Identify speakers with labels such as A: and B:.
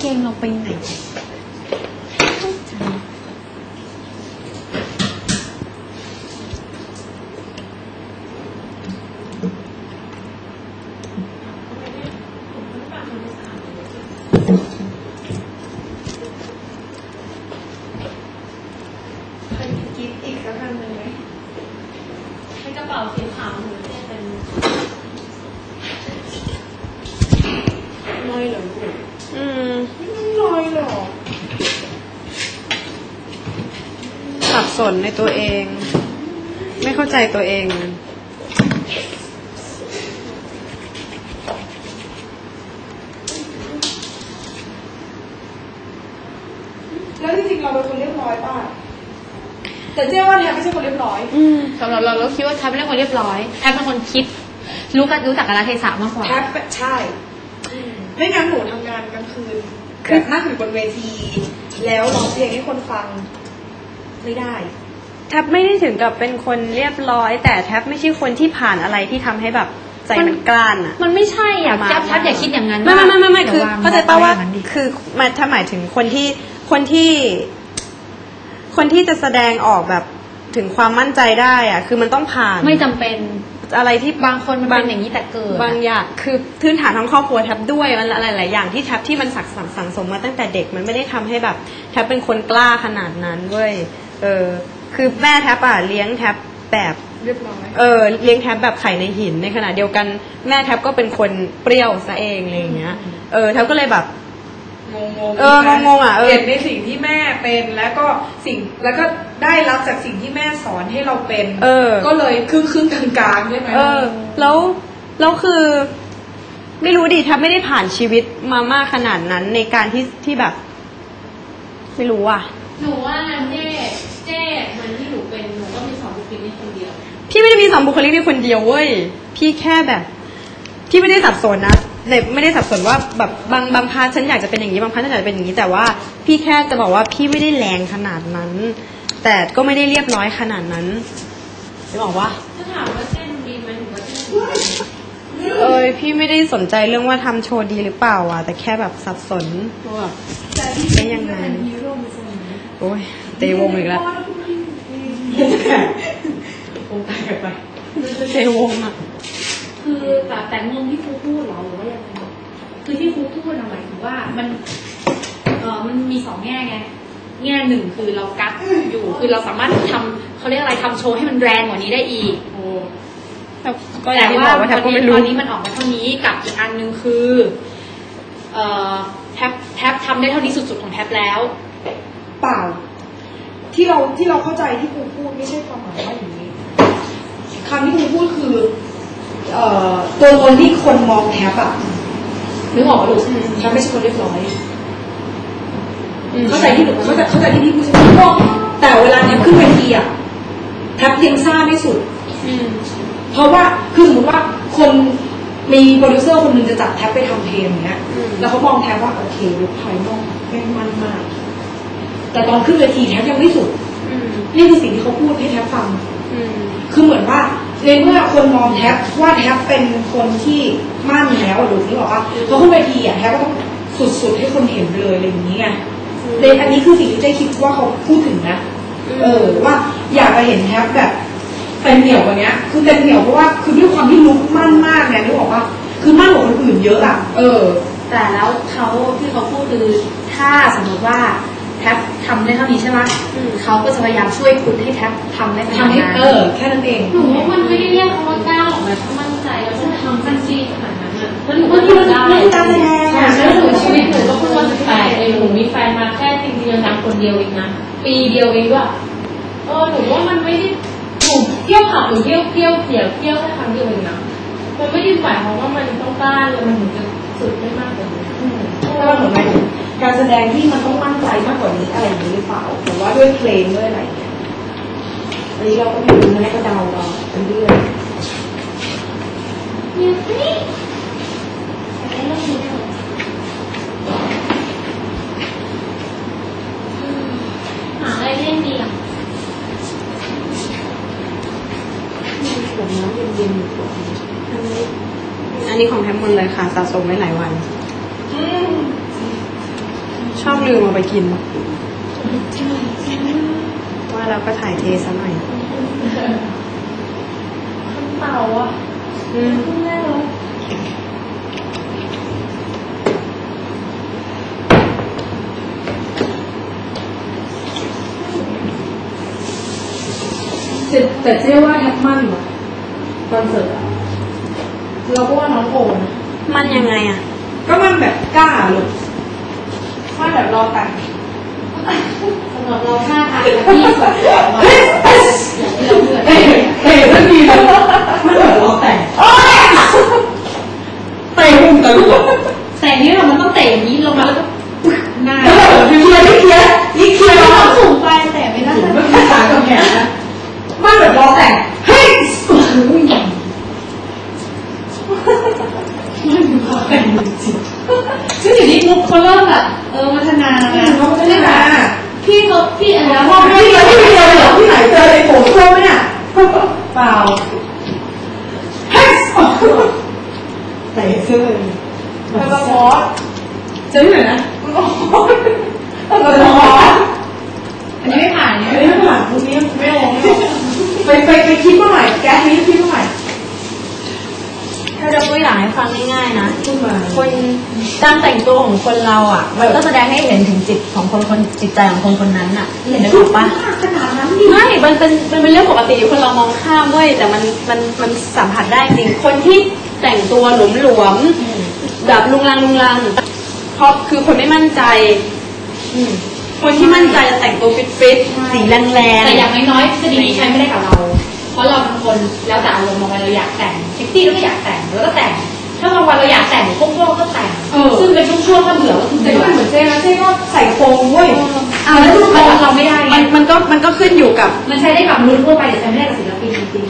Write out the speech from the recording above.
A: งเราไปไหน
B: กิฟต์อีกสักอันหนึ่งไหมให้กระเป๋าสีขาวหรือจะเป็นลอยเหรอไม่ลอยหรอ
A: สับสนในตัวเองไม่เข้าใจตัวเอง
B: แล้วจริงๆเราเป็นคนเรียบร้อยป่ะแต่เจ๊ว่าแทบไม่ใช่คนเรียบร้อย
C: สำหรับเราคิดว่าแทบเป็นคนเรียบร้อยแทบเป็นคนคิดรู้จักกาลเทศะมากกว่า
B: แทบใช่ไม่งั้นหนูทำงานกลางคืนแบบนั่งอยู่บนเวทีแล้วร้องเพลงให้คนฟังไม่ได้
A: แทบไม่ได้ถึงกับเป็นคนเรียบร้อยแต่แทบไม่ใช่คนที่ผ่านอะไรที่ทำให้แบบใจมันกล้านอ่ะ
C: มันไม่ใช่อ่ะแทบอย่าคิดอย่างนั้น
A: ไม่คือเข้าใจป่ะว่าคือถ้าหมายถึงคนที่จะแสดงออกแบบถึงความมั่นใจได้อะคือมันต้องผ่าน
C: ไม่จำเป็น
A: อะไรที่
C: บางคนมันเป็นอย่างนี้แต่เกิด
A: บางอย่างคือพื้นฐานทั้งครอบครัวแทบด้วยมันอะไรหลายอย่างที่แทบที่มันสั่งสมมาตั้งแต่เด็กมันไม่ได้ทำให้แบบแทบเป็นคนกล้าขนาดนั้นเว้ยคือแม่แทบเลี้ยงแทบแบบ
B: เรียบร้อย
A: เลี้ยงแทบแบบไข่ในหินในขณะเดียวกันแม่แทบก็เป็นคนเปรี้ยวซะเองอะไรอย่างเงี้ยแทบก็เลยแบบงง
B: เห็นในสิ่งที่แม่เป็นแล้วก็ได้รับจากสิ่งที่แม่สอนให้เราเป็นก็เลยครึ่งกลางๆใช่ไหม
A: แล้วคือไม่รู้ดิแทบไม่ได้ผ่านชีวิตมามากขนาดนั้นในการที่แบบไม่รู้อ่ะ
C: หนูว่าเจ๊มันที่หนูเป็นหนูก็มีสองบุคลิกคนเดียว
A: พี่ไม่ได้มีสองบุคลิกในคนเดียวเว้ยพี่แค่แบบพี่ไม่ได้สับสนนะไม่ได้สับสนว่าแบบบางพาร์ทฉันอยากจะเป็นอย่างนี้บางพาร์ทฉันอยากจะเป็นอย่างนี้แต่ว่าพี่แค่จะบอกว่าพี่ไม่ได้แรงขนาดนั้นแต่ก็ไม่ได้เรียบร้อยขนาดนั้นจะบอกว่า
C: ถ้าถามว่าเส้นดีไหมหนูว่าเส้น
A: พี่ไม่ได้สนใจเรื่องว่าทำโชว์ดีหรือเปล่าอ่ะแต่แค่แบบสับสนว่าเป็นยังไงโอ้ยเตะวงอีกแล้วเตะวงอ่ะ
C: คือแต่งงที่ครูพูดหรอหรือว่ายังไงคือที่ครูพูดหมายถึงว่ามันมีสองแง่ไงแง่หนึ่งคือเรากัดอยู่คือเราสามารถทำเขาเรียกอะไรทำโชว์ให้มันแรงกว่านี้ได้อีกแต่ว่าตอนนี้มันออกมาเท่านี้กับอีกอันนึงคือแท็บทำได้เท่านี้สุดๆของแท็บแล้ว
B: เปล่าที่เราเข้าใจที่ครูพูดไม่ใช่ความหมายว่าอย่างนี้คำที่ครูพูดคือตัวตนที่คนมองแทบอะนึกออกหรือแทบไม่ใช่คนเรียบร้อยเข้าใจที่หนูเข้าใจที่พี่พูดใช่ไหมแต่เวลาแทบขึ้นเวทีอะแทบยังซ่าไม่สุดเพราะว่าคือสมมติว่าคนมีโปรดิวเซอร์คนหนึ่งจะจับแทบไปทำเพลงอย่างเงี้ยแล้วเขามองแทบว่าโอเคลุคภายนอกแม่งมันมากแต่ตอนขึ้นเวทีแทบยังไม่สุดนี่คือสิ่งที่เขาพูดให้แทบฟังคือเหมือนว่าในเมื่อคนมองแทบว่าแทบเป็นคนที่มั่นแล้วหรือที่บอกว่าเขาขึ้นเวทีอ่ะแทบก็ต้องสุดๆให้คนเห็นเลยอะไรอย่างนี้ไงในอันนี้คือสิ่งที่เจ๊คิดว่าเขาพูดถึงนะว่าอยากจะเห็นแทบแบบเป็นเหนียวกว่านี้คือเป็นเหนียวเพราะว่าคือด้วยความที่ลุกมั่นมากเนี่ยนึกออกว่าคือมั่นกว่าคนอื่นเยอะอ่ะ
C: แต่แล้วเขาที่เขาพูดคือถ้าสมมติว่าแท็บทำได้เท่านี้ใช่ไหมเขาก็จะพยายามช่วยคุณให้แท็บทำได้ขนาดนั้น
B: แค่นั้นเอง
C: หนูว่ามันไม่ได้เรียกเขาว่ากล้าหรอกแบบถ้ามั่นใจแล้วจะทำกันซีขนาดนั้นอ่ะแล้วหนูก็ทำได้แล้วหนูชีวิตหนูก็เพิ่งมา18เองหนูมีแฟนมาแค่จริงๆทำคนเดียวเองนะปีเดียวเองด้วยหนูว่ามันไม่ได้หนูเที่ยวผับหรือเที่ยวแค่ครั้งเดียวเองนะมันไม่ได้หมายความว่ามันต้องกล้าเลยมันถึงจะสุดได้มากกว่านี้
B: เพราะว่าเหมือนการแสดงที่มันต้องมั่นใจมากกว่านี้อะไรอย่างนี้หรือเปล่าหรือว่าด้วยเพลงด้วยอะไรเงี้ยอันนี้เราก็ไม่รู้นะก็เดาไปเรื่อย
C: หาอะไรเล่นดีอ่ะ
B: มีขวดน้ำเย็นๆอยู่ขวด
A: อันนี้ของแทมมอนเลยค่ะสะสมไว้หลายวันอบลืมเอาไปกินว่าเราก็ถ่ายเทซะหน่อย
C: เต่าอ่ะขึ้นได้แล้ว
B: แต่เจ๊ว่าแทบมั่นว่ะคอนเสิร์ตอะ
C: เราก็ว่าน้องโอนะ
A: มันยังไงอ่ะ
B: ก็มันแบบกล้าเลยว่าแบบรอแต่ง
C: สำหรับเราท่าทางที่สุดอย่างที่เราเลือก
B: เตะทันทีเลยมันแบบรอแต่งเตะพุ่งตะลุก
C: แต่นี่เรามันต้องเตะอย่างนี้ลงมาแล้วก็หน้า
B: แล้วแบบเคลียร์นี่เคลียร์นี่เคลียร์
C: เราสูงไปแต่ไม่ได้
B: ไม่มีขากับแขนนะมันแบบรอแต่งเฮ้ย
C: ซึ่งอยู่ที่มุกเขาเริ่มแบบพัฒนาแล้วนะ
B: เขาไม่ได้มา
C: พี่อันนี้
B: พ่อไม่ได้ที่เดียวเหรอที่ไหนเจอในโถส้วมไหมเนี่ยเปล่าเฮ้ยเตะเสื้อมันก็มอสเจอที่ไหนนะมันก็มอสมันก็มอส
C: อันนี้ไม่ผ่านเนี่ย
B: ไม่ผ่านพวกนี้ไม่ลงไปคิดเมื่อไหร่แก๊สนี้คิดเมื่อไหร่
A: ถ้าจะตัวอย่างให้ฟังง่ายๆนะ
B: ขึ้นมา
A: คนการแต่งตัวของคนเราอ่ะ มันก็แสดงให้เห็นถึงจิตของคนจิตใจของคนคนนั้นอ่ะเห็นได้ถูกปะ
B: ขนาดนั้นดิ
A: ไม่มันเป็นเรื่องปกติคนเรามองข้ามเว้ยแต่มันสัมผัสได้จริงคนที่แต่งตัวหลวมๆแบบลุงลังเพราะคือคนไม่มั่นใจคนที่มั่นใจจะแต่งตัวฟิตๆสีแรงๆ
C: แต่อย่างน้อยๆทฤษฎีนี้ใช้ไม่ได้กับเรา เพราะเราเป็นคนแล้วแต่อารมณ์บางวันเราอยากแต่งเซ็กซี่เราก็อยากแต่งเราก็แต่ง ถ้าบางวันเราอยากแต่งพวกก็แต่ง ซึ่งเป็นช่วงๆถ้าเบื่อก็คือ
B: แต่
C: เบื่
B: ก็
C: อ
B: เหมือนเจ๊นะเจ๊ก็ใส่โครงเว้ย
C: แล้วทุกคนเราไม่ได้ไง
A: มันก็ขึ้นอยู่กับ
C: มันใช้ได้กับมนุษย์ทั่วไปแต่ใช้ไม่ได้กับศิลปินจริง